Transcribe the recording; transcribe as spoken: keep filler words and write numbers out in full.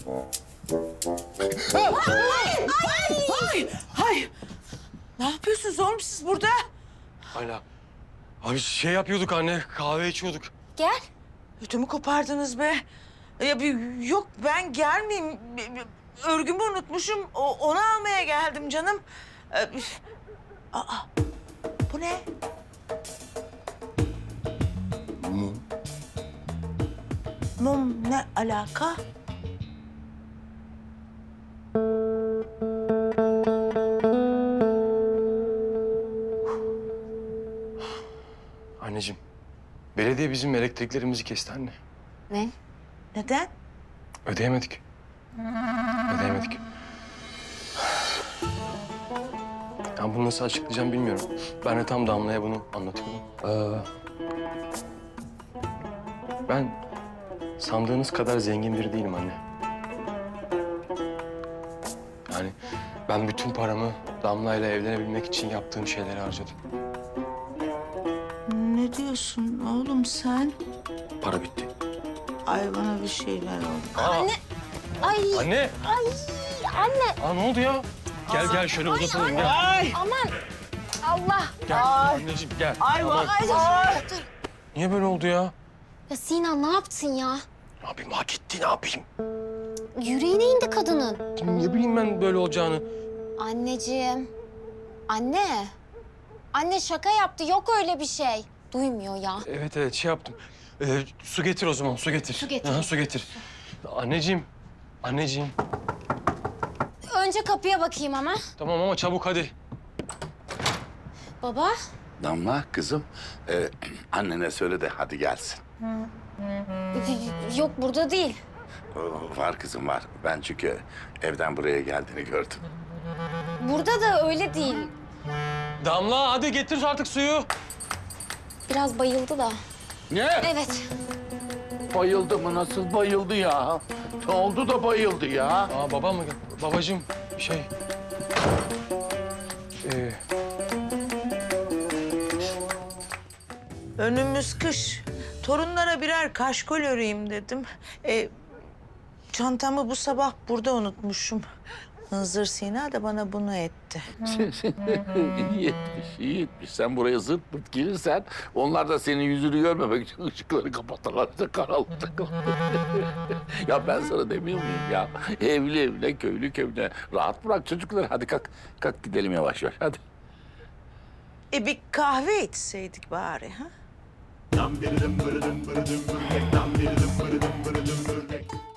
Ay, ay, ay. Ne yapıyorsunuz oğlum siz burada? Hala. Abi şey yapıyorduk anne, kahve içiyorduk. Gel. Ödümü kopardınız be. Ya bir, yok ben gelmeyeyim. Örgümü unutmuşum. O, onu almaya geldim canım. Ee, Aa, bu ne? Mum. Mum ne alaka? Anneciğim, belediye bizim elektriklerimizi kesti anne. Ne? Neden? Ödeyemedik. Ödeyemedik. Ya bunu nasıl açıklayacağım bilmiyorum. Ben de tam Damla'ya bunu anlatıyordum. Ee, ben sandığınız kadar zengin biri değilim anne. Yani ben bütün paramı Damla'yla evlenebilmek için yaptığım şeylere harcadım. Ne diyorsun oğlum sen? Para bitti. Ay bana bir şeyler oldu. Aa, Anne. Ay. Anne! Ay. Anne. Aa, ne oldu ya? Gel gel şöyle uzatalım gel. Ay! Aman. Allah. Gel Ay. anneciğim gel. Ay, Aman. ay, Dur. ay. Dur. Niye böyle oldu ya? Ya Sinan ne yaptın ya? Ne yapayım hak etti ne yapayım? Yüreğine indi kadının. Ne bileyim ben böyle olacağını. Anneciğim. Anne. Anne şaka yaptı. Yok öyle bir şey. Duymuyor ya. Evet evet şey yaptım. Ee, su getir o zaman su getir. Su getir. Aha, su getir. Anneciğim. Anneciğim. Önce kapıya bakayım ama. Tamam ama çabuk hadi. Baba. Damla kızım, e, annene söyle de hadi gelsin. Yok burada değil. O, var kızım var. Ben çünkü evden buraya geldiğini gördüm. Burada da öyle değil. Damla hadi getir artık suyu. Biraz bayıldı da. Ne? Evet. Bayıldı mı? Nasıl bayıldı ya? Ne oldu da bayıldı ya? Aa babam mı? Babacığım şey. Ee, Önümüz kış. Torunlara birer kaşkol öreyim dedim. Ee, çantamı bu sabah burada unutmuşum. Hınzır Sina da bana bunu etti. iyi etmiş, iyi etmiş. Sen buraya zırt pırt gelirsen onlar da senin yüzünü görmemek için ışıkları kapatırlar. İşte karanlıkta. Ya ben sana demiyor muyum ya? Evli evine, köylü köyüne. Rahat bırak çocukları. Hadi kalk, kalk gidelim yavaş yavaş. Hadi. E bir kahve içseydik bari ha? Dum dum dum dum dum dum dum dum dum dum dum dum dum dum dum dum.